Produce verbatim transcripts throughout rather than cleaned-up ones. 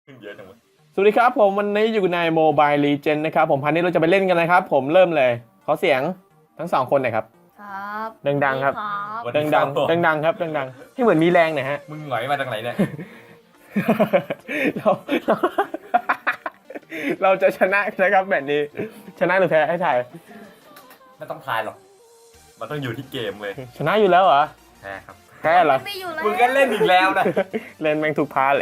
เยอะจังวะสวัสดีครับผมวันนี้อยู่ใน Mobile Legends นะครับผมพันนี้เราจะไปเล่นกันนะครับผมเริ่มเลยขอเสียงทั้งสองคนหน่อยครับครับดังๆครับครับวันดันี้งครับๆดังๆครับดังๆให้เหมือนมีแรงหน่อยฮะมึงหงอยมาจากไหนเนี่ยเราเราเราจะชนะนะครับแบบนี้ชนะหรือแพ้ให้ถ่ายไม่ต้องทายหรอกมันต้องอยู่ที่เกมเลยชนะอยู่แล้วเหรอแพ้ครับแพ้เหรอไม่อยู่แล้วมึงก็เล่นอีกแล้วนะเล่นแม่งทุกพาร์ทเลย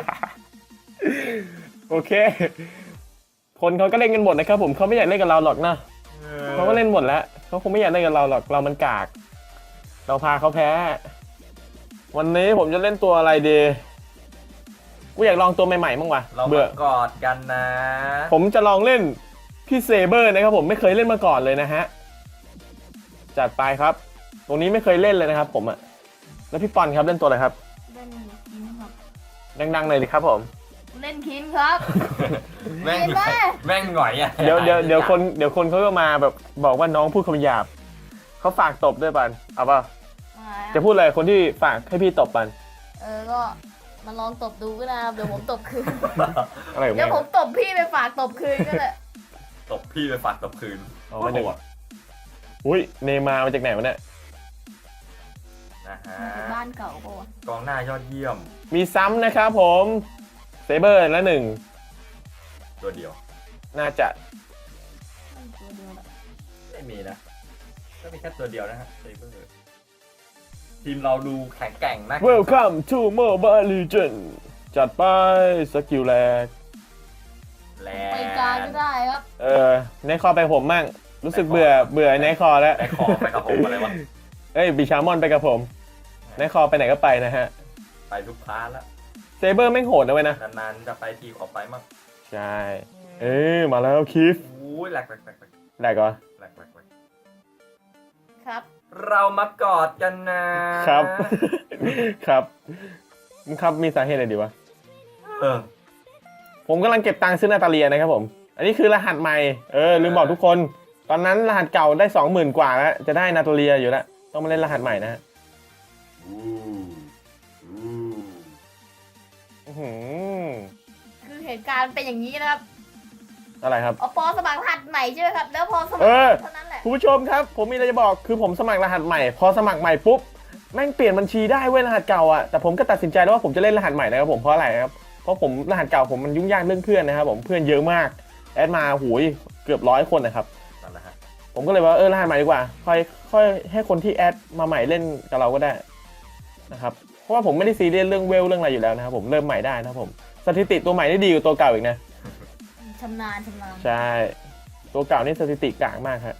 โอเค คนเขาก็เล่นกันหมดนะครับผมเขาไม่อยากเล่นกับเราหรอกนะเขาก็เล่นหมดแล้วเขาคงไม่อยากเล่นกับเราหรอกเรามันกาก เราพาเขาแพ้ วันนี้ผมจะเล่นตัวอะไรดีกูอยากลองตัวใหม่ๆบ้างว่ะเราเบื่อมากอดกันนะผมจะลองเล่นพี่เซเบอร์นะครับผมไม่เคยเล่นมาก่อนเลยนะฮะจัดไปครับ ตรงนี้ไม่เคยเล่นเลยนะครับผมอะแล้วพี่ปอนครับเล่นตัวอะไรครับเล่นคินครับดังๆเลยดิครับผมเล่นคินครับแม่งเห็นไหมแม่งหงอยอ่ะเดี๋ยวเดี๋ยวเดี๋ยวคนเดี๋ยวคนเขาก็มาแบบบอกว่าน้องพูดคำหยาบเขาฝากตบด้วยปันเอาป่ะมาจะพูดอะไรคนที่ฝากให้พี่ตบปันเออก็มาลองตบดูก็ได้ครับเดี๋ยวผมตบคืนอะไรของเดี๋ยวแม่ผมตบพี่ไปฝากตบคืนก็ได้ตบพี่ไปฝากตบคืนอ๋อไม่ได้ว่ะอุ้ยเนย์มาร์มาจากไหนวะเนี่ยนะฮะบ้านเก่าปะวะกองหน้ายอดเยี่ยมมีซ้ำนะครับผมเซเบอร์ละหนึ่งตัวเดียวน่าจะตัวเดียวแหละไม่มีนะก็มีแค่ตัวเดียวนะฮะเซเบอร์ทีมเราดูแข็งแกร่งนะ Welcome to Mobile Legends จัดไปสกิลแรกแลไปกลางก็ได้ครับเออในคอไปผมมั่งรู้สึกเบื่อเบื่อในคอแล้วไปคอไปกระผมอะไรวะเอ้ยบิชามอนไปกับผมในคอไปไหนก็ไปนะฮะไปทุกพาร์ทแล้วเซเบอร์ไม่งโหดนะเว้ยนะนานๆจะไปทีขอไปมั่งใช่ เอ้ยมาแล้วคิฟอู้ยแหลกแหลกแหลกแหลกแหลกเหรอแหลกแหลกแหลกครับเรามากอดกันนะครับครับมึงครับมีสาเหตุอะไรดีวะเออผมกำลังเก็บตังค์ซื้อนาตาเลียนะครับผม อันนี้คือรหัสใหม่ เออลืมบอกทุกคน ตอนนั้นรหัสเก่าได้สองหมื่นกว่าแล้ว จะได้นาตาเลียอยู่แล้ว ต้องมาเล่นรหัสใหม่นะฮะอู้อู้อื้อหือคือเหตุการณ์เป็นอย่างนี้นะครับอะไรครับเอาปอสมัครรหัสใหม่ใช่ไหมครับแล้วพอสมัคเอรอเท่านั้นแหละคุณผู้ชมครับ ผมมีอะไรจะบอก คือผมสมัครรหัสใหม่ พอสมัครใหม่ปุ๊บ แม่งเปลี่ยนบัญชีได้เว้ยรหัสเก่าอ่ะ แต่ผมก็ตัดสินใจแล้วว่าผมจะเล่นรหัสใหม่นะครับผม เพราะอะไรครับ เพราะผมรหัสเก่าผมมันยุ่งยากเรื่องเพื่อนนะครับผม เพื่อนเยอะมาก แอดมาหูยเกือบร้อยคนนะครับนั่นแหละฮะผมก็เลยว่าเออรหัสใหม่ดีกว่า ค่อยค่อยให้คนที่แอดมาใหม่เล่นกับเราก็ได้นะครับ เพราะว่าผมไม่ได้ซีเรียสเรื่องเวลเรื่องอะไรอยู่แล้วนะครับผม เริ่มใหม่ได้นะครับผม สถิติตัวใหม่ได้ดีกว่าตัวเก่าอีกนะชำนาญชำนาญใช่ ตัวเก่านี่สถิติกลางมากครับ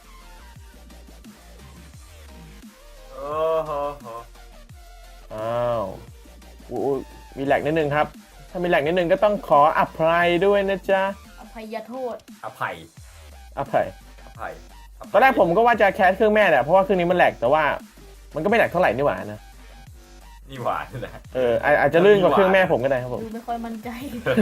โอ้โหโหอ้าวอุ๊ยมีแหลกนิดนึงครับ ถ้ามีแหลกนิดนึงก็ต้องขออภัยด้วยนะจ๊ะอภัยโทษอภัยอภัยอภัยภัยตอนแรกผมก็ว่าจะแคสเครื่องแม่แหละ เพราะว่าเครื่องนี้มันแหลก แต่ว่ามันก็ไม่แหลกเท่าไหร่นี่หว่านะนี่หวานนะเอออาอาจจะลื่นกว่าเครื่องแม่ผมก็ได้ครับผมดูไม่ค่อยมั่นใจ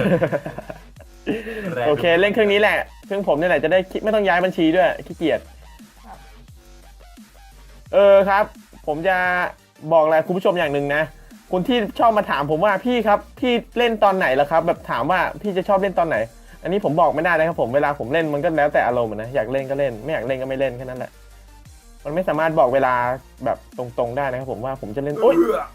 แรงโอเคเล่นเครื่องนี้แหละ เครื่องผมนี่แหละจะได้ไม่ต้องย้ายบัญชีด้วยขี้เกียจครับเออครับ ผมจะบอกอะไรคุณผู้ชมอย่างหนึ่งนะคุณที่ชอบมาถามผมว่าพี่ครับพี่เล่นตอนไหนแล้วครับ แบบถามว่าพี่จะชอบเล่นตอนไหน อันนี้ผมบอกไม่ได้นะครับผมเวลาผมเล่นมันก็แล้วแต่อารมณ์นะอยากเล่นก็เล่นไม่อยากเล่นก็ไม่เล่นแค่นั้นแหละมันไม่สามารถบอกเวลาแบบตรงๆได้นะครับผมว่าผมจะเล่นโอ๊ยเอื้อ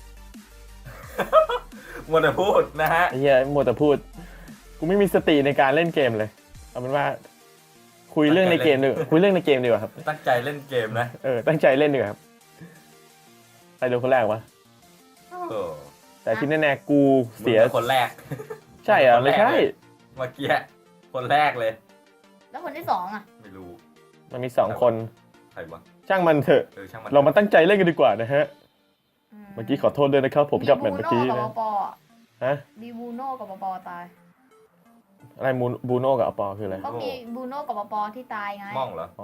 มัวแต่พูดนะฮะไอ้เหี้ยมัวแต่พูดกูไม่มีสติในการเล่นเกมเลยเอาเป็นว่า คุยเรื่องในเกมดีกว่าคุยเรื่องในเกมดีกว่าครับตั้งใจเล่นเกมนะเออตั้งใจเล่นดีกว่าครับใครดูคนแรกวะเออแต่ที่แน่ๆกูเสียมึงป็นคนแรกใช่เหรอไม่ใช่เมื่อกี้คนแรกเลยแล้วคนที่สองอ่ะไม่รู้มันมีสองคนใครวะช่างมันเถอะเออช่างมันเรามาตั้งใจเล่นกันดีกว่านะฮะเมื่อกี้ขอโทษด้วยนะครับ ผมกับแมนเมื่อกี้มีบูนะโน่กับปอปอฮะมีบูโน่กับปอปอตายอะไรมูนบูโน่กับอปอคืออะไรก็มีบูโน่กับปอปอที่ตายไงม่องเหรออ๋อ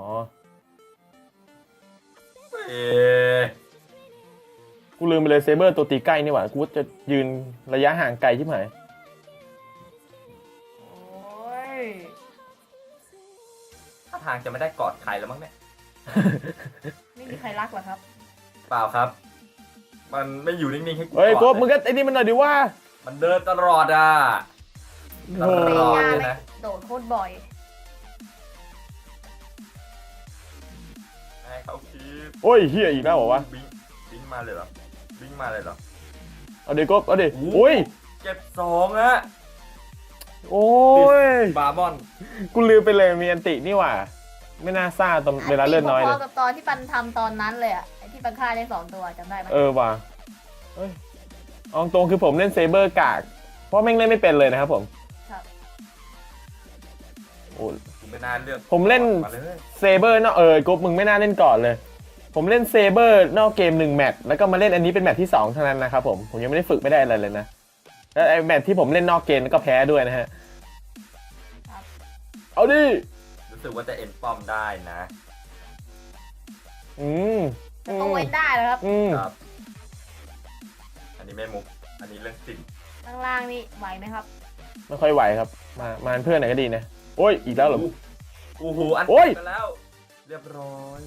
เอ๊ะกูลืมไปเลยเซเบอร์ตัวตีใกล้นี่หว่ากูจะยืนระยะห่างไกลที่ไหนโอ้ยถ้าทางจะไม่ได้กอดใครแล้วมั้งเนี่ยไม่มีใครรักหรอครับเปล่าครับ มันไม่อยู่นิ่งๆให้กูเฮ้ยกกูอดมึงก็ไอ้นี่มันหน่อยดิว่ามันเดินตลอดอ่ะโอ้เฟตลอดย่าเลยไม่นะโดดโคตรบ่อยให้เขาคิดโอ้ยเฮียอีกแล้วเหรอวะบิงบิงมาเลยเหรอบิงมาเลยเหรอเอาดิกบเอาดิโอ้โอ้ยเก็บสองอะโอ้ยบาร์บอนกูลืมไปเลยมีอันตินี่หว่า ไม่น่าซ่าตอนเวลาเลื่อนน้อยพเลอย ๆกับตอนที่ปันทำตอนนั้นเลยอะไอที่ปันฆ่าได้สองตัวจำได้ไหมเออว่ะเอ้ยเอาตรงคือผมเล่นเซเบอร์กาก เพราะแม่งเล่นไม่เป็นเลยนะครับผมครับโอ้ผมไม่น่าเลือกผมเล่นมาเลยเซเบอร์นอกเออกบมึงไม่น่าเล่นก่อนเลย ผมเล่นเซเบอร์นอกเกมหนึ่งแมตช์แล้วก็มาเล่นอันนี้เป็นแมตช์ที่สองเท่านั้นนะครับผม ผมยังไม่ได้ฝึกไม่ได้อะไรเลยนะ แล้วไอ้แมตช์ที่ผมเล่นนอกเกมก็แพ้ด้วยนะฮะครับเอาดิรู้สึกว่าจะเอ็นป้อมได้นะอืมแต่ก็เว้นได้แล้วครับอืมครับ อันนี้ไม่มุก อันนี้เรื่องจริงข้างล่างนี่ไหวไหมครับไม่ค่อยไหวครับ มามาเป็นเพื่อนหน่อยก็ดีนะ โอ้ย อีกแล้วเหรอโอ้โหอันโอ้ยกันแล้ว เรียบร้อย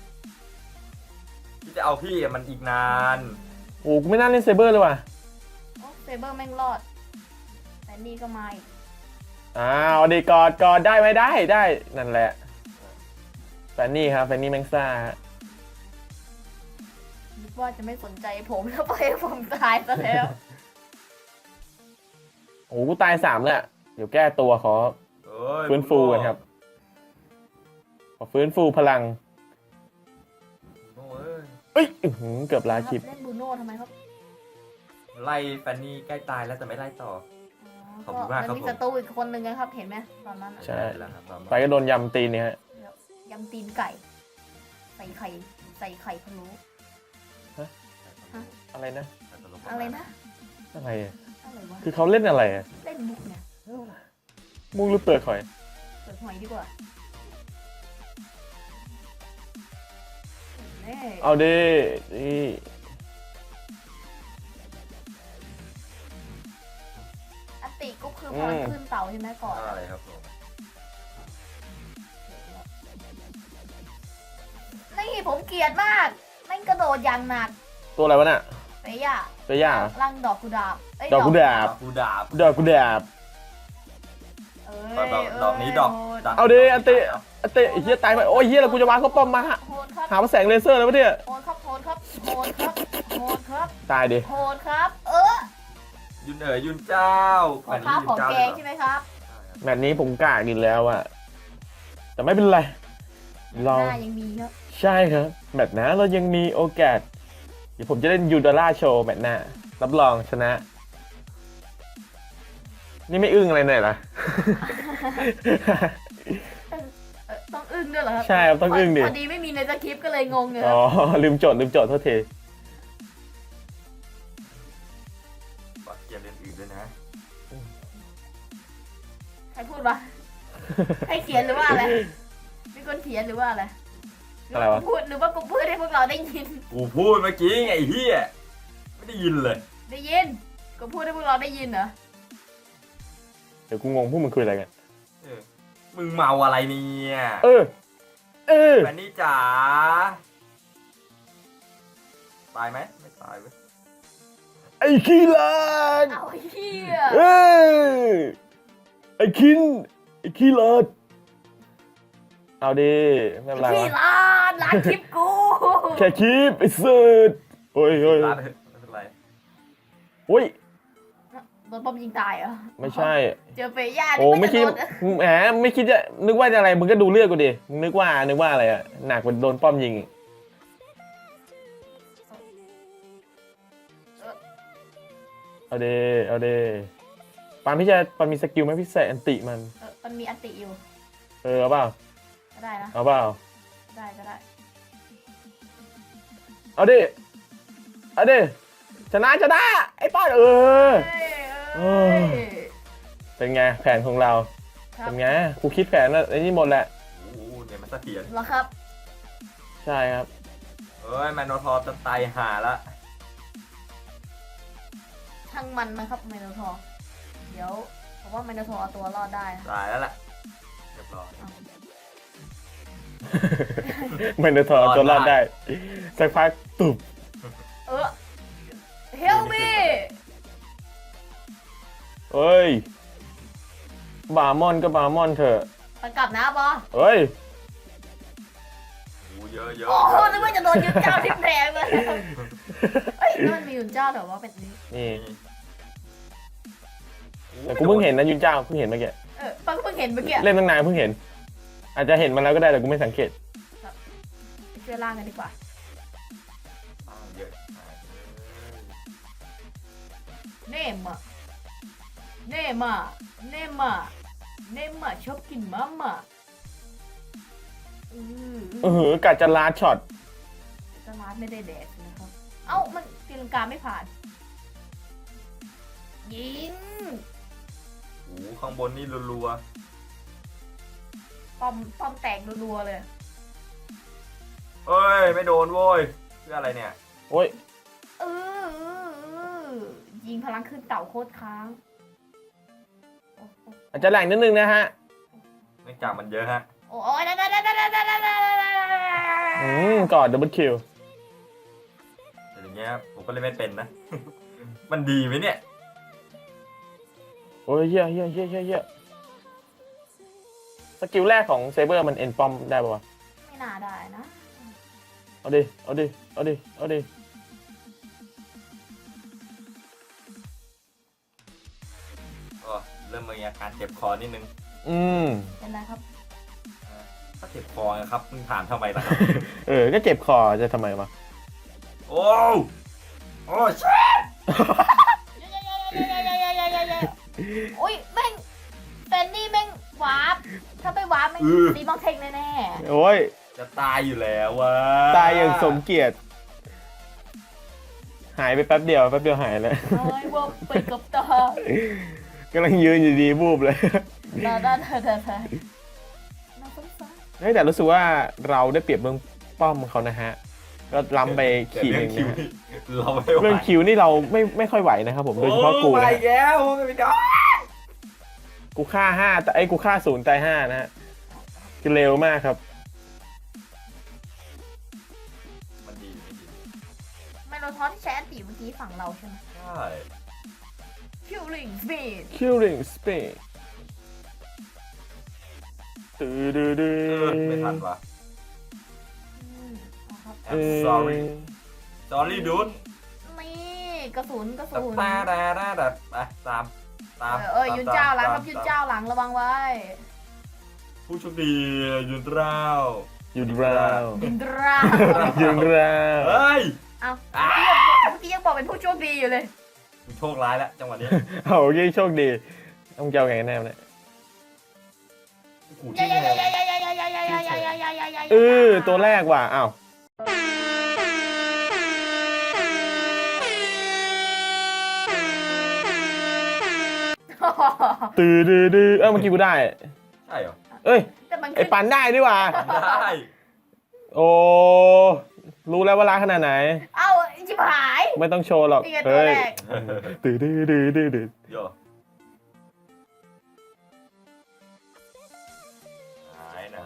ที่จะเอาพี่อะมันอีกนานโอ้กูไม่น่าเล่นเซเบอร์เลยว่ะโอ้เซเบอร์แม่งรอด แต่นี่ก็มาอีกอ้าวดีกอดกอดได้ไหมได้ได้ นั่นแหละ แฟนนี่ครับ แฟนนี่แมงซ่าฮะนึกว่าจะไม่สนใจผมแล้วไปล่อยให้ผมตายซะแล้วโอ้กูตายสามแล้วเดี๋ยวแก้ตัวขอเอ้ยฟื้นฟูกันครับ ขอฟื้นฟูพลังโอ้ยเอ้ยอื้อหือเกือบลาคลิปเล่นบรูโน่ทำไมครับไล่แฟนนี่ใกล้ตายแล้วแต่ไม่ไล่ต่อ ขอบคุณมากครับมันมีผมศัตรูอีกคนหนึ่งนะครับ เห็นไหมตอนนั้นอะใช่แล้วครับบาร์บอนไปก็โดนยำตีนเนี่ยฮะยำตีนไก่ ใส่ไข่ ใส่ไข่พะโล้อะไรนะอะไรนะอะไรอะอะไรวะคือเขาเล่นอะไรอะเล่นมุกเนี่ยมุ้งหรือเปลือกหอยเปิดหอยดีกว่าเน่เอาดินี่อันติก็คือพลังขึ้นเต่าใช่ไหมก่อนอะไรครับผมนี่ผมเกลียดมากแม่งกระโดดอย่างหนักตัวอะไรวะน่ะเฟย่าเฟย่าร่างดอกกุหลาบเยดอกกุหลาบกูดาบดอกกุหลาบเอ้ยดอกดอกนี้ดอกโหเอาดิอันติอันติไอ้เฮียตายไปโอ้ยเฮียแล้วกูจะวางเขาป้อมมาฮะโหดครับหาว่าแสงเลเซอร์แล้ววะเนี่ยโหดครับโหดครับโหดครับโหดครับตายดิโหดครับ เออยุนเอ๋ยยุนเจ้าขอข้าวของแกงใช่ไหมครับแมตช์นี้ผมกล้ากินแล้วอะแต่ไม่เป็นไร เราหน้ายังมีครับใช่ครับ แมตช์หน้าเรายังมีโอกาส เดี๋ยวผมจะเล่นยูดอลล่าโชว์แมตช์หน้า รับรองชนะ นี่ไม่อึ้งอะไรหน่อยเหรอเออต้องอึ้งด้วยเหรอครับใช่ครับต้องอึ้งดิพอดีไม่มีในสคริปต์ก็เลยงงเลยคอ๋รัอบลืมโจทย์ลืมโจทย์โทษทีฝากเกมเล่นอื่นด้วยนะใครพูดวะ ให้เขียนหรือว่าอะไรมีคนเขียนหรือว่าอะไรหอะไรวะกูพูดหรือว่ากูพูดให้พวกเราได้ยินกูพูดเมื่อกี้ไงไอ้เหี้ยไม่ได้ยินเลยได้ยินกูพูดให้พวกเราได้ยินเหรอเดี๋ยวกูงงพวกมึงคุยอะไรกันเออมึงเมาอะไรเนี่ยเออ เออแฟนนี่จ๋าตายไหมไม่ตายเว้ยไอ้ขี้ลานเอาไอ้เหี้ยเอ้ยไอ้คิน ไอ้ขี้ลานเอาดิไม่เป็นไรพี่วะร้านร้านคลิปกูแค่คลิปไอ้เสิร์ตโอ้ยโอ้ยลาไปเถอะไม่เป็นไรโอ้ยโดนป้อมยิงตายเหรอไม่ใช่เจอเฟย่าโอ้ไม่คิดนึกว่าจะโดนแหมไม่คิดจะนึกว่าจะอะไรมึงก็ดูเลือดกูดิมึงนึกว่านึกว่าอะไรอะหนักกว่าโดนป้อมยิงอีกเอาเดเอาเดปานพี่จะปานมีสกิลไหมพี่ใส่อันติมันเออมันมีอันติอยู่เออเอาเปล่าก็ได้นะเอาเปล่าได้ก็ได้เอาดิเอาดิชนะชนะไอ้ป้านเออเอ้ยเอเอ้อยเป็นไงแผนของเราครับเป็นไงกูคิดแผนแล้วไอ้นี่หมดแหละโอ้โหเนี่ยมันเสถียรเหรอครับใช่ครับเอ้ยแมนโนทอร์จะตายห่าละช่างมันนะครับไมโนทอร์เดี๋ยวผมว่าไมโนทอร์เอาตัวรอดได้นะตายแล้วล่ะเรียบร้อยเอาไม่ได้ถอดตัวรอดได้สักพักตุบเออเฮลมีเฮ้ยบาร์มอนก็บาร์มอนเถอะมันกลับนะบอเฮ้ยโอ้เยอะเยอะโอ้โหเยอะนึกว่าจะโดนยุนเจ้าทิ่มแรงเลยเฮ้ยแล้วมันมียุนเจ้าแต่ว่าเป็นนี้นี่แต่กูเพิ่งเห็นนะยุนเจ้าเพิ่งเห็นเมื่อกี้เออปังเพิ่งเห็นเมื่อกี้เล่นตั้งนานเพิ่งเห็น อาจจะเห็นมันแล้วก็ได้แต่กูไม่สังเกตไปช่วยล่างกันดีกว่าอ้าวเยอะมากเลยเน่มอะเน่มอะเน่มอะเน่มอะชอบกินมะมะอือเออกัดจะลาดช็อตสมาร์ทไม่ได้แดกนะครับ เอ้ามันตีลังกาไม่ผ่าน ยิงโอ้ข้างบนนี่รัวป้อมป้อมแตกรัวๆเลยๆเอ้ยไม่โดนโว้ยเพื่ออะไรเนี่ยโอ้ยเออเออเออยิงพลังขึ้นเต่าโคตรค้างโอ้โหอาจจะแหลงนิดนึงนะฮะเนื่องจากมันเยอะฮะโอ้ยได้ได้ได้ได้ได้ได้ได้อืมกอดดับเบิลคิวแต่อย่างเงี้ยผมก็เล่นไม่เป็นนะ มันดีไหมเนี่ยโอ้ยเฮียเฮียเฮียเฮียเฮียสกิลแรกของเซเบอร์มันเอ็นปอมได้ป่าวะไม่น่าได้นะเอาดิ เอาดิ เอาดิ เอาดิก็เริ่มมีอาการเจ็บคอนิดนึงอืมเป็นไรครับถ้าเจ็บคอนะครับมึงถามทำไมล่ะครับเออ ก็เจ็บคอจะทำไมวะโอ้โอ้ชิโอ้ยแม่งแฟนนี่แม่งวาร์ปถ้าไปวาร์ปแม่งตีมองเทงแน่โอ้ยจะตายอยู่แล้ววะตายอย่างสมเกียรติ หายไปแป๊บเดียว แป๊บเดียวหายเลยๆน้อยว่าไปกับตากำลังยืนอยู่ดีบูบเลยตาตาตาตาตาน่าสงสารเฮ้ยแต่รู้สึกว่าเราได้เปรียบเรื่องป้อมเขานะฮะ ก็ล้ำไปขีดหนึ่งคิวนะฮะนี่เราไม่ไหวเรื่องคิวนี่เราไม่ไม่ค่อยไหวนะครับผม โดยเฉพาะกูโอ้นะไปฮะแล้วไม่ได้กูฆ่าห้าแต่ไอ้ยกูฆ่าศูนย์ตายห้านะฮะคือเร็วมากครับมันดีไม่ดีไมโลทอนที่ใช้อันตีเมื่อกี้ฝั่งเราใช่ไหมใช่คิวลิงฟีด Killing Speed ตื้อดื้อดื้เอออไม่ทันว่ะนะครับเออ sorry sorry dude นี่กระสุนกระแต่สุนตาดาดาดาไปตามตามเออเออยุนเจ้าหลังครับยุนเจ้าหลังระวังไว้ผู้โชคดียุนเจ้ายุนราวยุนดรายุนราวเฮ้ยเอาเมื่อกี้ยังบอกเป็นผู้โชคดีอยู่เลยมึงโชคร้ายแล้วจังหวะนี้เอาโอเคโชคดีต้องเจ้าไงแน่เนี่ยโอ้โหยาที่ยาแนยาว ยายายายายายายายายายาเออตัวแรกว่ะอ้าวตื้อดื้อดื้อเอ้าเมื่อกี้กูได้ใช่เหรอเอ้ยแต่มันไอ้ปันได้ดีว่ะได้โอ้รู้แล้วว่ารักขนาดไหนเอ้าชิบหายไม่ต้องโชว์หรอกนี่ไงตัวเฮ้ยแรกตื้อดื้อดื้อดื้อดื้อโยไหนไหน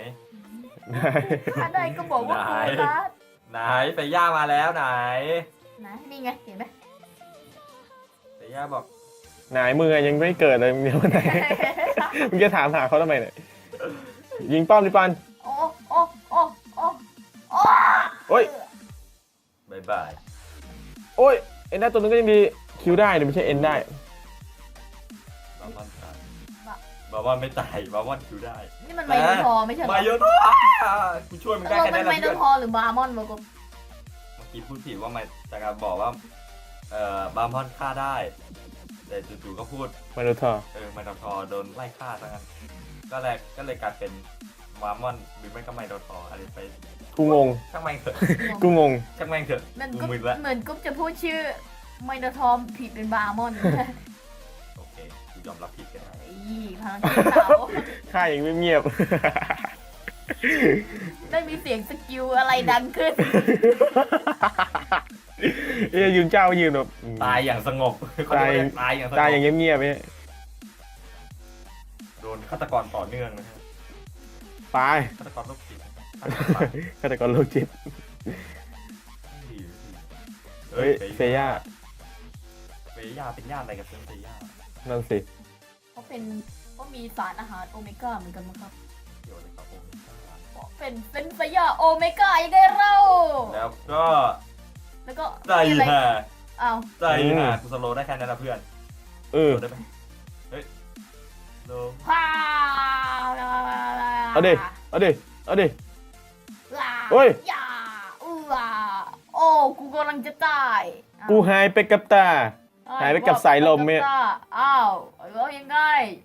ถ้าได้ก็บอกว่ากูรักไหนเฟย่ามาแล้วไหนนะนี่ไงเห็นไหมเฟย่าบอกไหนมือยังไม่เกิดเลยมึงเดี๋ยวไหน มึงจะถามหาเขาทำไมเนี่ยยิงป้อมดิปันโอ้โอ้โอ้โอ้โอ้โอ้ยบายบายโอ้ยเอ็นได้ตัวนึงก็ยังดีคิวได้แต่ไม่ใช่เอ็นได้บาบอนตายบาบอนไม่ตายบาบอนคิวได้นี่มันไมโนทอร์ไม่ใช่เหรอมาโยโตกูช่วยมึงตได้กลงแค่เป็นั้น นไมนะโนเพื่อนทอร์หรือบาร์มอนวะกูเมื่อกี้พูดผิดว่ามันจากการบอกว่าเอ่อบาบอนฆ่าได้ แต่จู่ๆก็พูดมาดูทอเออไมโนทอร์โดนไล่ฆ่าซะงั้นก็เลยก็เลยกลายเป็นบาบอนหรือไม่ก็ไมโนทอร์อะไรไปกูงงช่างแม่งเถอะกูงงช่างแม่งเถอะเหมือนกูกุ๊บมึนละเหมือนกุ๊บจะพูดชื่อไมโนทอร์ผิดเป็นบาร์มอนโอเคกูยอมรับผิดกันนะอีพลังขึ้นเต่าค่ายังเงียบได้มีเสียงสกิลอะไรดังขึ้นเอ้ยยืนเจ้ายืนแบบตายอย่างสงบตายตายอย่างสงบตายอย่างเงียบๆเนี่ยโดนฆาตกรต่อเนื่องนะครับไปฆาตกรโรคจิตนะครับฆาตกรโรคจิตเฮ้ยเฟย่าเฟย่าเป็นญาติอะไรกับเซนเฟย่านั่นสิเขาเป็นก็มีสารอาหารโอเมก้าเหมือนกันมั้งครับเดี๋ยวเลยครับผมเพราะเป็นเป็นสยาโอเมก้ายังไงเราแล้วก็แล้วก็ใจมีอะไรห่าอ้าวใจห่ากูสโลว์ได้แค่นั้นนะเพื่อนเออโดนได้ไหมเฮ้ยโลว์พาเอาดิเอาดิเอาดิลาเฮ้ยอย่าอือโอ้กูกำลังจะตายอ้าวกูหายไปกับตา หายไปกับสายลมเนี่ยอ้าวแล้วยังไง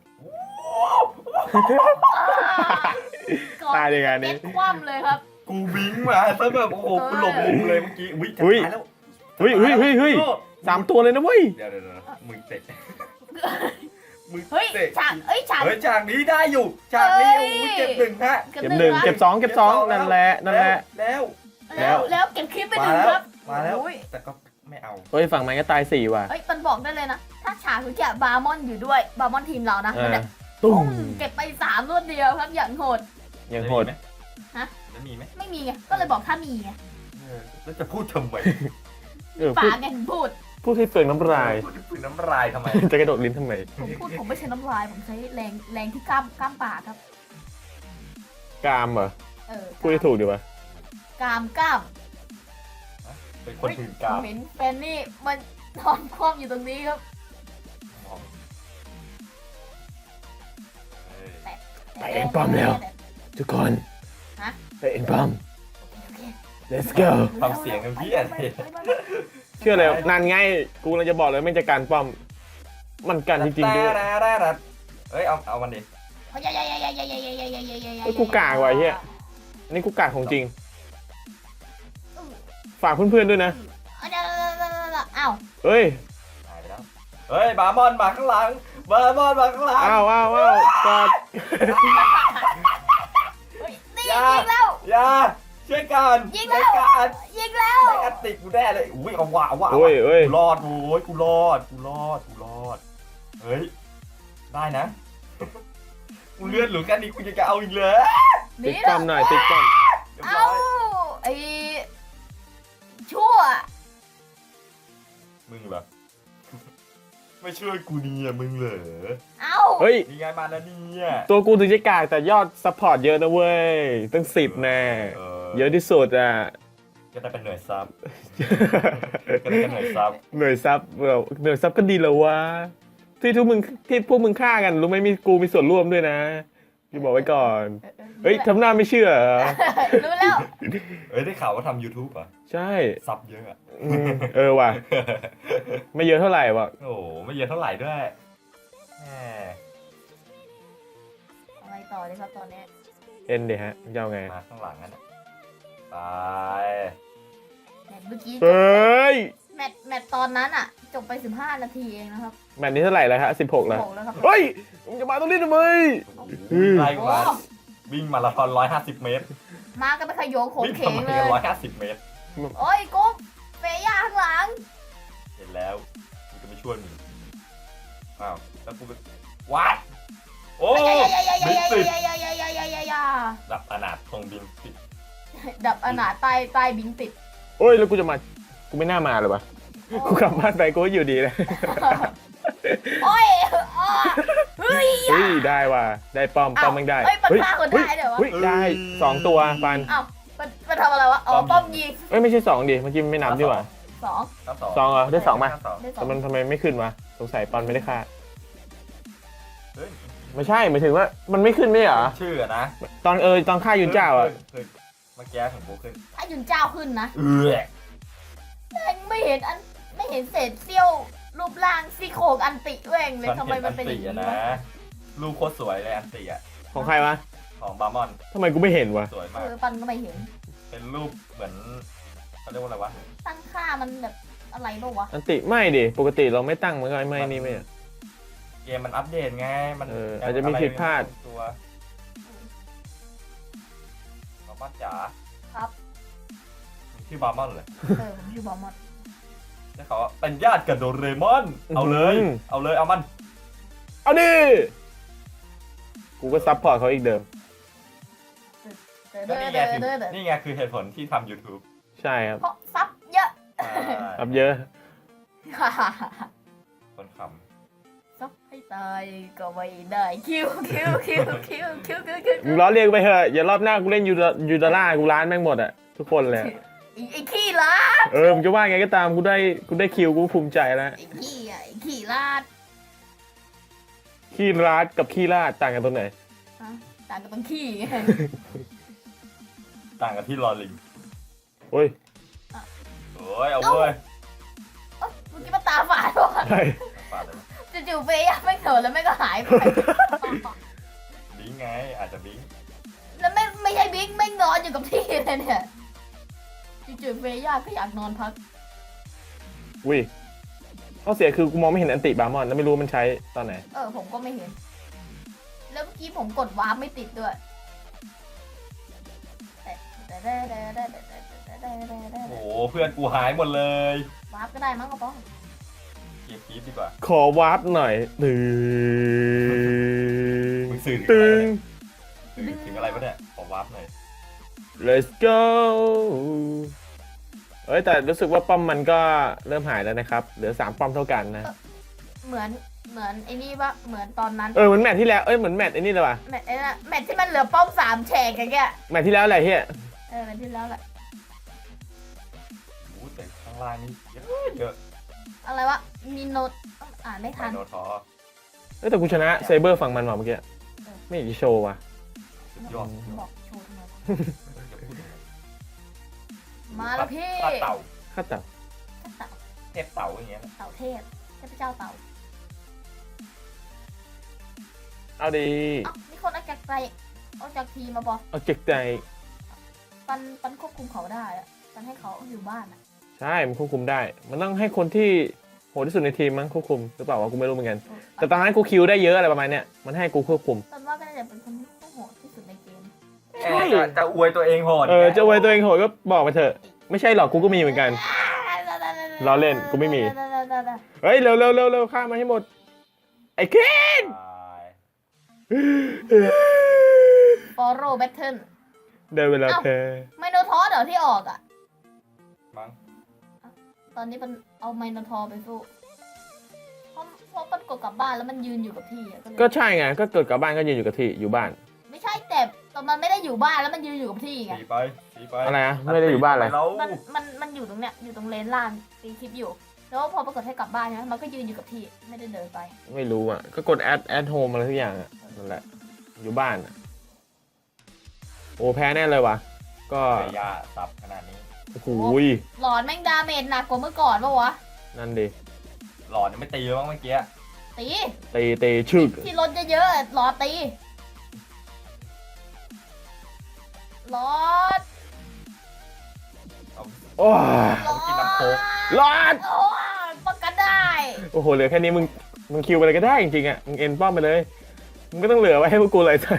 ตายในงานนี้เอ็ดคว่ำเลยครับกูบิงมาซะแบบโอ้โหกูหลบมุมเลยเมื่อกี้อุ้ยจะอุ้ยตายแล้วเฮ้ยเฮ้ยเฮ้ยเฮ้ยสามตัวเลยนะเว้ยเดี๋ยวเดี๋ยวเดี๋ยวมึงเตะมึงเฮ้ยเตะฉากเอ้ยฉากเฮ้ยฉากนี้ได้อยู่ฉากนี้เฮ้ยโอ้ยเก็บหนึ่งฮะเก็บหนึ่งะเก็บสองเก็บสองนั่นแหละนั่นแหละแล้วแล้วแล้วเก็บคลิปไปหมานึ่งแล้คว รับมาแล้วโอ้ยแต่ก็ไม่เอาเฮ้ยฝั่งมันก็ตายสี่ว่ะเอ้ยมันบอกได้เลยนะ ถ้าฉากคือแกบาร์มอนอยู่ด้วยบาร์มอนทีมเรานะอ่ามันแบบตุ้ตุ้มมเก็บไปสามรวดเดียวครับอย่างโหดยังโหดฮะแล้วมีไหมไม่มีไงก็เลยบอกถ้ามีไงเออแล้วจะพูดทำไมเออปาพูดกไงถึงพูดพูดให้เปลืองน้ำลายพูดถึงน้ำลายทำไมจะกระโดดลิ้นทำไมผมพูดผมไม่ใช่น้ำลายผมใช้แรงแรงที่กล้ามกล้ามปากครับกามเหรอเออพูดให้ถูกดีวะกล้ามกล้ามเป็นคนถือกาวเห็นแฟนนี่มันนอนคว่ำอยู่ตรงนี้ครับเออไปเอ็นป้อมแล้ว ทุกคนฮะไปเอ็นป้อมโอเค let's go ทำเสียงกันพี่อะไรเชื่อเลยนานไงกูเราจะบอกเลยไม่จะการป้อม มันกันจริงๆด้วยเฮ้ยเอาเอามันดิเฮ้ยกูกากว่ะเหี้ย อันนี้กูกาดของจริง ฝากเพื่อนๆด้วยนะอ้าวเฮ้ยหายไปแล้วเฮ้ยบาร์มอนมาข้างหลังบาร์มอนมาข้างหลังอ้าวอ้าวอ้าวกอดนี่ยิงแล้วอย่าช่วยกันยิงแล้วช่วยกันยิงแล้วได้กันติดกูแน่เลยอุ้ยเอาว่ะเอาว่ะเฮ้ยเฮ้ยกูรอดโว้ยกูรอดกูรอดกูรอดเฮ้ยได้นะกูเลื่อนหรือกันนี่กูจะเอาอีกเลยติ๊กป้อมหน่อยติ๊กป้อมเรียบเอ้าร้อยไอ้ชั่วมึงเหรอไม่ช่วยกูเนี่ยมึงเหรอเอ้าเฮ้ยนี่ไงมาแล้วเนี่ยตัวกูถึงจะกากแต่ยอดซัพพอร์ตเยอะนะเว้ย ตั้งสิบแน่ เยอะที่สุดอ่ะก็ได้เป็นหน่วยซับก็ได้เป็นหน่วยซับหน่วยซับเราหน่วยซับก็ดีแล้ววะ ที่ทุกมึงที่พวกมึงฆ่ากันรู้ไหมมีกูมีส่วนร่วมด้วยนะพี่บอกไว้ก่อน เฮ้ยทำหน้าไม่เชื่อเหรอรู้แล้วเอ้ยได้ข่าวว่าทำ YouTube อ่ะใช่ซับเยอะอะอืมเออว่ะ ไม่เยอะเท่าไหร่ว่ะโอ้โหไม่เยอะเท่าไหร่ด้วยแหมอะไรต่อเลยครับตอนนี้เอ็นเดี๋ยวฮะจะเอาไงมาข้างหลังนั่นน่ะไปแมตช์เมื่อกี้เฮ้ยแมตช์แมตช์ตอนนั้นอ่ะ จบไปสิบห้านาทีเองนะครับแมตช์นี้เท่าไหร่แล้วฮะสิบหกแล้วโหแล้วครับเฮ้ยมึงจะมาตรงนี้ทำไม อืมไล่โอ้มาวิ่งมาราธอนร้อยห้าสิบเมตรมากันไปขยโยงโขงวิ่งเขทำงไมเลกันยร้อยห้าสิบเมตรโอ้ยกุ๊บเฟย่าข้างหลังเห็นแล้วกูจะไม่ช่วยมึงอ้าวแล้วกูก็วัดโอ้บินติดดับอนาถคงบินติดดับอนาถใต้ใต้บิงติดโอ้ยแล้วกูจะมา กูไม่น่ามาเลยวะกูกลับบ้านไปกูก็อยู่ดีเลยโอ้ยอ้อเฮ้ยเฮ้ยได้ว่ะได้ป้อมป้อมแมันได้เฮ้ยมันฆ่าคนได้เดี๋ยววะเฮ้ยได้สองตัวปันอ้าวมันมันทำอะไรวะ อ๋อ ป้อมยิงเอ้ยไม่ใช่สองดิเมื่อกี้ไม่นับดีกว่าสองครับสองเหรอได้สองมาครับสองได้สอแต่งมันทำไมไม่ขึ้นวะสงสัยปันไม่ได้ฆ่าเฮ้ยไม่ใช่หมายถึงว่ามันไม่ขึ้นไม่เหรอชื่ออะนะตอนเออตอนฆ่ายุนเจ้าอ่ะขึ้นเมื่อกี้ของโบขึ้นถ้ายุนเจ้าขึ้นนะเออแม่งไม่เห็นอันไม่เห็นเศษเสี้ยวรูปร่างซี่โครงอันติแว่งเลยทำไมมันเป็นอย่างนี้นะวะลูกโคตรสวยเลยอันติอ่ะของใครวะของบาร์มอนทำไมกูไม่เห็นวะสวยเอมากอปันก็ไม่เห็นเป็นรูปเหมือนเขาเรียกว่าอะไรวะตั้งค่ามันแบบอะไรบ้างวะอันติไม่ดิปกติเราไม่ตั้งมันก็ไม่นี่ไม่อะเกมมันอัปเดตไงมันเอออาจจะมีผิดพลาดตัวบาร์มอนจ๋าครับชื่อบาร์มอนเลยเออผมชื่อบอมมอนแล้วเขาเป็นญาติกับโดเรมอน เอาเลย เอาเลยเอามันเอาดิกูก็ซัพพอร์ตเขาอีกเดิมเด้อก็เด้อนี่ไงเด้อคือเด้อเด้อนี่ไงคือเหตุผลที่ทำ YouTube ใช่ครับเพราะซับเยอะครับเยอะคนคซับให้ตายก็ไม่ได้คิวคิวคิวคิวคิวคิวคิวมึงล้อเลียนไปเถอะอย่ารอบหน้ากูเล่นยูดายูดาร่ากูร้านแม่งหมดอะทุกคนเลยอะไอ้ไอ้ขี้ลาดเออมึงจะว่าไงก็ตามกูได้กูได้คิวกูภูมิใจแล้วไอ้ขี้อ่ะไอ้ขี้ลาดขี้ร้านกับขี้ลาดต่างกันตรงไหนฮะต่างกับตรงขี้ไงต่างกันที่รอลิงโอ้ยโอ้ยเอาเว้ยเอ้าเมื่อกี้มันตาฝาดว่ะใช่ปาดเลยจู่ๆเฟย์ไม่เถิดแล้วไม่ก็หายไปบิงไงอาจจะบิงแล้วไม่ไม่ใช่บิ๊กไม่นอนอยู่กับที่เลยเนี่ยจู่ๆเฟย่าก็อยากนอนพักอุ้ยข้อเสียคือกูมองไม่เห็นอันติบาร์มอนแล้วไม่รู้มันใช้ตอนไหนเออผมก็ไม่เห็น แล้วเมื่อกี้ผมกดวาร์ปไม่ติดด้วยโอ้โหเพื่อนกูหายหมดเลยวาร์ปก็ได้มั้งกระป๋องเก็บคีบดีกว่าขอวาร์ปหน่อยตึงมึงสื่อตึงถึงถึงอะไรวะเนี่ยขอวาร์ปหน่อย let's go เอ้ยแต่รู้สึกว่าป้อมมันก็เริ่มหายแล้วนะครับเหลือสามป้อมเท่ากันนะเหมือนเหมือนไอ้นี่ปะเหมือนตอนนั้นเออเหมือนแมตช์ที่แล้วเอ้ยเหมือนแมตช์ไอ้นี่เลยว่ะแมทไอ้น่ะแมทที่มันเหลือป้อมสามแฉกอย่างเงี้ยแมตช์ที่แล้วอะไรเฮียเออแมทที่แล้วแหละโอ้โหแต่ข้างล่างนี่เยอะเยอะอะไรวะมีโนตอ่านไม่ไมทันโนทอร์เอ้ยแต่กูชนะเซเบอร์ฝั่งมันว่ะเมื่อกี้ไม่อยากจะโชว์ว่ะสุดยอดบอกโชว์ทำไมวะอย่าพูดถึงมาแล้วพี่ปลาเต่าข้าแต่เต่าเทพเต่าอย่างเงี้ยนะเต่าเทพเทพเจ้าเต่าเอาดีเอ้ามีคนออกจากใจออกจากทีมมาปะเอาเก็กใจปันปันควบคุมเขาได้อะปันให้เขาอยู่บ้านอะใช่มันควบคุมได้ มันต้องให้คนที่โหดที่สุดในทีมมั้งควบคุมหรือเปล่าวะกูไม่รู้เหมือนกันแต่ตอนนั้นกูคิวได้เยอะอะไรประมาณเนี้ยมันให้กูควบคุมปันว่าก็น่าจะเป็นคนที่โหดที่สุดในเกมใช่จะจะอวยตัวเองโหดเออจะไว้ตัวเองโหดก็บอกไปเถอะไม่ใช่หรอกกูก็มีเหมือนกัน ล้อเล่นกูไม่มี เฮ้ยเร็วเร็วเร็วเร็วฆ่ามาให้หมดไอ้เคนตายฟอโร่แบทเทิลได้เวลาแพ้ไมโนทอร์เดี๋ยวที่ออกอ่ะมั้งตอนนี้มันเอาไมโนทอร์ไปสู้เพราะเพราะมันกดกลับบ้านแล้วมันยืนอยู่กับที่อะก็เลยก็ใช่ไงก็เกิดกลับบ้านก็ยืนอยู่กับที่อยู่บ้านไม่ใช่แต่ตอนมันไม่ได้อยู่บ้านแล้วมันยืนอยู่กับที่ไงสีไปสีไปอะไรอะไม่ได้อยู่บ้านอะไรแล้วมันมันมันอยู่ตรงเนี้ยอยู่ตรงเลนล่างตีคลิปอยู่ แล้วพอปรากฏให้กลับบ้านใช่ไหมมันก็ยืนอยู่กับที่ไม่ได้เดินไปไม่รู้อ่ะก็กดแอดแอดโฮมอะไรทุกอย่างอ่ะนั่นแหละอยู่บ้านอะโอ้แพ้แน่เลยว่ะก็เสียยาสับขนาดนี้โอ้โหหลอนแม่งดาเมจหนักกว่าเมื่อก่อนปะวะนั่นดิหลอนยังไม่ตีเลยมั้งเมื่อกี้ตีตีตีชึกที่รถเยอะๆหลอดตีหลอดเอาโอ้ยหลอกินน้ำโค้กรอดโอ้ยป้องกันได้โอ้โหเหลือแค่นี้มึงมึงคิวไปเลยก็ได้จริงๆอ่ะมึงเอ็นป้อมไปเลยมึงก็ต้องเหลือไว้ให้พวกกูเลยท่าน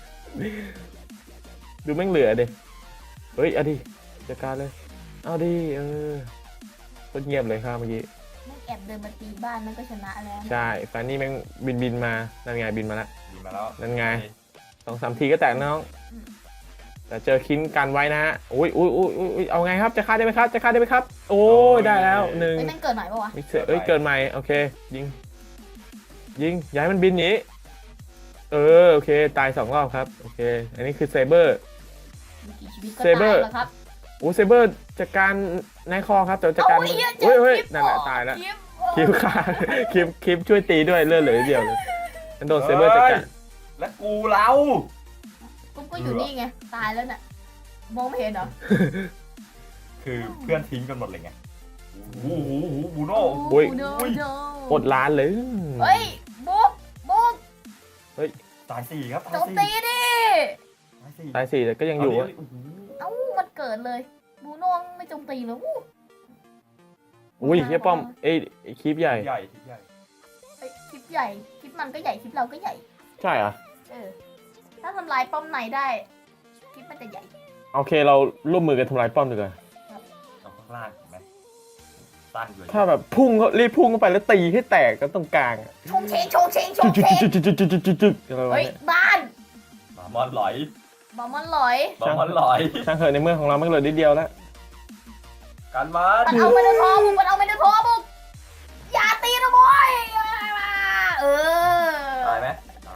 ดูแม่งเหลือดิเฮ้ยเอาดิจัดการเลยเอาดิเออโคตรเงียบเลยครับเมื่อกี้แม่งแอบเดินมาตีบ้านมันก็ชนะแล้วใช่แฟนนี่แม่งบินบินมานั่นไงบินมาละดีมาแล้วนั่นไง สองสามทีก็แตกน้องแต่เจอคินกันไว้นะฮะอุ้ยอุ้ยอุ้ยอุ้ยเอาไงครับจะฆ่าได้ไหมครับจะฆ่าได้ไหมครับโอ้ยได้แล้วหนึ่งเฮ้ยแม่งเกิดใหม่ปะวะมิกเซอร์เอ้ยเกินใหม่โอเคยิงยิงย้ายมันบินหนีเออโอเคตายสองรอบครับโอเคอันนี้คือเซเบอร์มีกี่ชีวิตก็เซเบอตายร์แล้วครับโอ้เซเบอร์จัดการนายคอครับแต่จัดการเอาไอ้เหี้ยเจเฮ้ยอเฮ้ยคลิปนั่นแหละเหรอตายแล้วคลิปคลิปขาดคลิปคลิปช่วยตีด้วยเลือดเหลือนิดเดียวเลยฉันโดนเซเบอร์จัดการแล้วกูเรากูก็อยู่นี่ไงตายแล้วน่ะมองไม่เห็นเหรอคือเพื่อนทิ้งกันหมดเลยไงโอ้โหโอ้โหบูโน่โอ้โนอุ้ยโนอดล้านเลยเฮ้ยบุ๊กบุ๊กตายสี่ครับตายโจมสี่ตีดิตายสี่ตายสี่แต่ก็ยังอยู่เาอะดิโโหเอ้ามันเกิดเลยบูโน่ไม่โจมตีเลยอู้อุ้ยเฮียป้อมเอ้ยไอ้คลิปใหญ่ใหญ่ที่ใหญ่เอ้ยคลิปใหญ่คลิปมันก็ใหญ่คลิปเราก็ใหญ่ใช่เหรอ่ะเออถ้าทำลายป้อมไหนได้คลิปมันจะใหญ่โอเคเราร่วมมือกันทำลายป้อมดีกว่าเอาข้างล่างเห็นไหมสั้นอยู่ถ้าแบบพุ่งเขารีบพุ่งเข้าไปแล้วตีให้แตกกันตรงกลางอะชงเชงชงเชงชจึ๊งกเชจึ๊กงจึ๊กจึ๊กจึ๊กจึ๊กจึ๊กอะไรวะเฮ้ยเนี่ยบ้านหมามอนหลอยบอมมันลอยหมามอนหลอยช่างเถอะในเมืองของเราไม่เหลือนิดเดียวแล้วการมันมันเอาไมโนทอร์บุกมันเอาไมโนทอร์บุกอย่าตีนะบอยเออ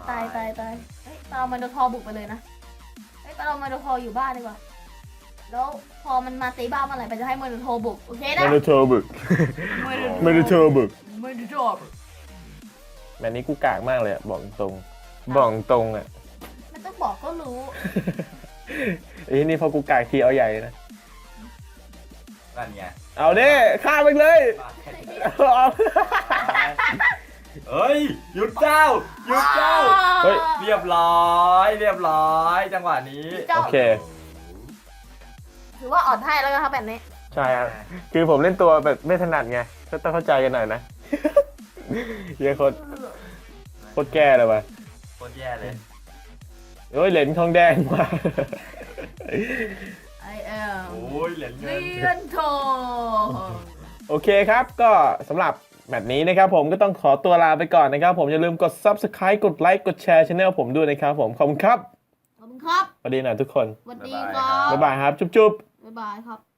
ตายตายตายเฮ้ยเรามาโดทอบุกไปเลยนะเฮ้ยเรามาโดทออยู่บ้านดีกว่าแล้วพอมันมาตีบ้านเมื่อไหร่ไปจะให้มาโดทอบุกโอเคนะไม่ได้โทรบึก ไม่ได้โทรบึกมาโดทอบุกแบบนี้กูกากมากเลยอะบอกตรง บอกตรงอะไม่ต้องบอกก็รู้ไอ้นี่พอกูกากทีเอาใหญ่นะนั่นไงเอาเด้ฆ่าไปเลย เอาเฮ้ยหยุดเจ้าหยุดเจ้าเฮ้ยเรียบร้อย เรียบร้อย จังหวะนี้เจ้าโอเคถือว่าอ่อนให้แล้วกันครับแบบนี้ใช่ครับคือผมเล่นตัวแบบไม่ถนัดไงก็ต้องเข้าใจกันหน่อยนะ เหี้ยอะโคตรโคตรแก่เลยว่ะโคตรแย่เลยโอ้ยเหรียญทองแดงมา I am โอ้ยเหรียญเงินเลียนทองโอเคครับก็สำหรับแมตช์นี้นะครับผมก็ต้องขอตัวลาไปก่อนนะครับผมอย่าลืมกด ซับสไครบ์ กดไลค์กดแชร์ช่องผมด้วยนะครับผมขอบคุณครับขอบคุณครับสวัสดีหน่อยทุกคนสวัสดีครับบ๊ายบายครับจุ๊บๆบ๊ายบายครับ